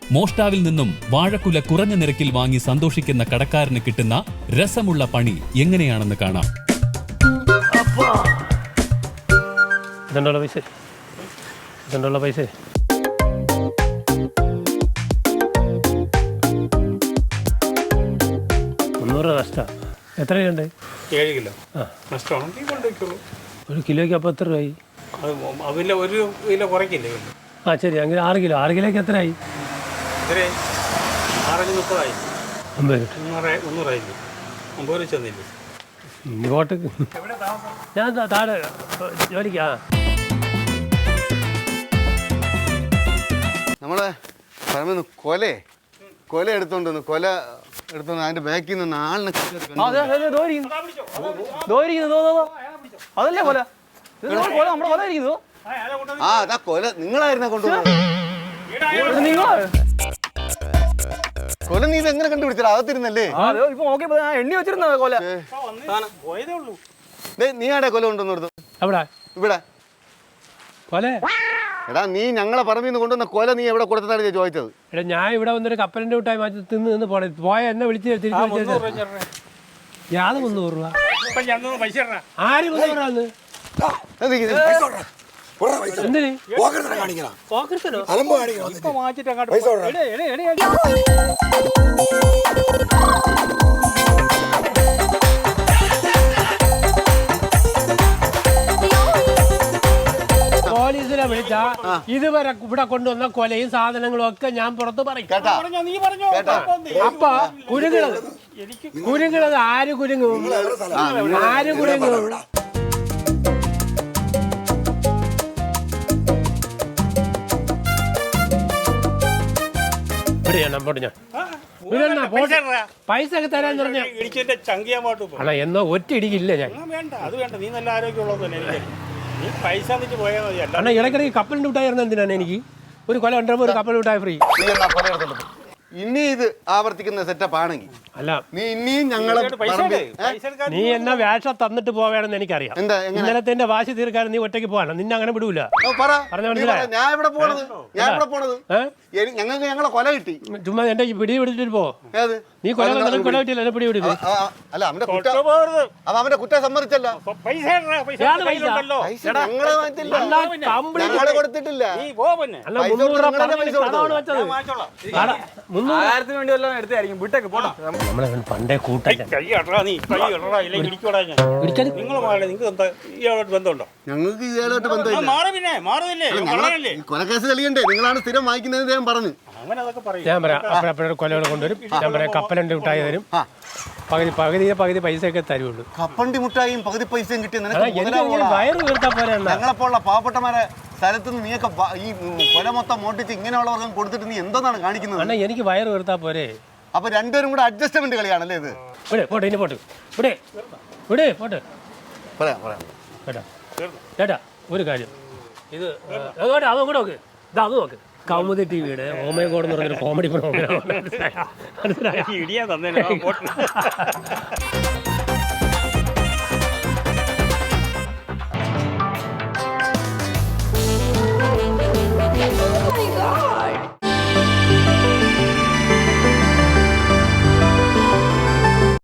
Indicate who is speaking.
Speaker 1: മോഷ്ടാവിൽ നിന്നും വാഴക്കുല കുറഞ്ഞ നിരക്കിൽ വാങ്ങി സന്തോഷിക്കുന്ന കടക്കാരന് കിട്ടുന്ന രസമുള്ള പണി എങ്ങനെയാണെന്ന് കാണാം.
Speaker 2: പൈസ നഷ്ട എത്ര രൂപയുണ്ട്?
Speaker 3: 7 കിലോ നഷ്ടമാണെങ്കിൽ കൊണ്ടുവയ്ക്കുള്ളൂ.
Speaker 2: ഒരു കിലോയ്ക്ക് അപ്പോൾ എത്ര രൂപയായി?
Speaker 3: അതിൽ 1 കിലോ കുറയ്ക്കില്ലേ?
Speaker 2: ആ ശരി, അങ്ങനെ 6 കിലോ. 6 കിലോയ്ക്ക് എത്രയായി?
Speaker 3: 630
Speaker 2: 50
Speaker 3: 100 50 ചെന്നില്ലേ?
Speaker 2: ഇങ്ങോട്ട് ഞാൻ താഴെ ജോലിക്കാ.
Speaker 4: നമ്മളെ പറയുന്നു കൊല എടുത്തോണ്ട് അതിന്റെ ബാക്കിൽ നിന്ന് ആളിനെ
Speaker 5: അതല്ലേ കൊല? നമ്മുടെ കൊല ഇരിക്കുന്നു.
Speaker 4: ആ അതാ കൊല നിങ്ങളായിരുന്ന കൊണ്ടുപോകുന്നത്. കൊല നീ ഇത് എങ്ങനെ കണ്ടുപിടിച്ചാ? അകത്തിരുന്നല്ലേ?
Speaker 5: ഇപ്പൊ നോക്കിയപ്പോ എണ്ണി വെച്ചിരുന്ന കൊല.
Speaker 4: നീ ആടെ കൊല കൊണ്ടുവന്നു? ഇവിടെ
Speaker 2: കൊല
Speaker 4: എടാ നീ ഞങ്ങളെ പറമ്പിൽ നിന്ന് കൊണ്ടുവന്ന കൊല നീ എവിടെ കൊടുത്തതാണ് ചോദിച്ചത്?
Speaker 2: എടാ ഞാൻ ഇവിടെ വന്നൊരു കപ്പലിന്റെ വിട്ടായി മാറ്റി നിന്ന് പോയ എന്നെ വിളിച്ച് തിരിച്ചു യാത് 300 രൂപ. ആര് 300 എന്തിന്? പോലീസിനെ വിളിച്ചാ ഇതുവരെ ഇവിടെ കൊണ്ടുവന്ന കൊലയും സാധനങ്ങളും ഒക്കെ ഞാൻ പുറത്ത് പറയും. അപ്പൊ കുരുങ്ങണത് ആര് കുരുങ്ങും? ആര് കുരുങ്ങും? പൈസ ഒക്കെ തരാൻ പറഞ്ഞ എന്നോ ഒറ്റ ഇടിക്കില്ല ഞാൻ. അണ്ണാ ഇടയ്ക്കിടയ്ക്ക് കപ്പലിന്റെ വിട്ടായിരുന്നു. എന്തിനാണ് എനിക്ക് ഒരു കൊല ഉണ്ടോ? ഒരു കപ്പൽ വിട്ടായ ഫ്രീ.
Speaker 4: ഇനി ഇത് ആവർത്തിക്കുന്ന സെറ്റപ്പ് ആണെങ്കിൽ
Speaker 2: അല്ല
Speaker 4: നീ ഇനിയും ഞങ്ങളെ
Speaker 2: നീ എന്നാ വേഷം തന്നിട്ട് പോവേണമെന്ന് എനിക്കറിയാം. ഇന്നലത്തെ വാശി തീർക്കാൻ നീ ഒറ്റയ്ക്ക് പോകാനോ? നിന്നെ അങ്ങനെ വിടൂല.
Speaker 4: ഞങ്ങൾക്ക് ഞങ്ങളെ കൊല കിട്ടി.
Speaker 2: ചുമ്മാ എന്റെ പിടി പിടിച്ചിട്ട് പോ. നീ കൊല കൊല കിട്ടില്ല, എന്നെ പിടി പിടിക്കും.
Speaker 4: അല്ല അവന്റെ കുറ്റം സമ്മതിച്ചല്ലോ. ഞങ്ങള് കൊടുത്തിട്ടില്ല.
Speaker 2: പണ്ടേ കൂട്ടം
Speaker 4: ഞങ്ങൾക്ക് ഇയാളായിട്ട് ബന്ധമില്ല. കൊലക്കേസ് തെളിയണ്ടേ? നിങ്ങളാണ് സ്ഥിരം വായിക്കുന്നത് ഞാൻ പറഞ്ഞു.
Speaker 2: ഞാൻ പറയാം അപ്പോഴപ്പോഴും കൊലകൾ കൊണ്ടുവരും. ഞാൻ പറയാം കപ്പലണ്ടി മിഠായി തരും. പകുതി പൈസ ഒക്കെ തരുള്ളൂ.
Speaker 4: കപ്പണ്ടി മുട്ടായും പകുതി പൈസയും കിട്ടിയ
Speaker 2: വയറ് വീർത്താ പോലെ.
Speaker 4: ഞങ്ങളെപ്പോലുള്ള പാവപ്പെട്ടമാരെ സ്ഥലത്ത് നിന്ന് നീയൊക്കെ ഈ കൊല മൊത്തം മോട്ടിച്ച് ഇങ്ങനെയുള്ളവർക്കും കൊടുത്തിട്ട് നീ എന്തോന്നാണ് കാണിക്കുന്നത്?
Speaker 2: അണ്ണാ എനിക്ക് വയറ് വീർത്താ പോരെ.
Speaker 4: അപ്പൊ രണ്ടുപേരും കൂടെ അഡ്ജസ്റ്റ്മെന്റ് കളിയാണല്ലേ ഇത്?
Speaker 2: പോട്ടെ ഇനി പോട്ടെ പോട്ടെ ചേട്ടാ ഒരു കാര്യം. ഇത് അതും കൂടെ നോക്ക്. അത് നോക്ക്. കൗമുദി ടിവിയുടെ ഓമയഗോഡ് എന്ന് പറഞ്ഞൊരു കോമഡി പ്രോഗ്രാം.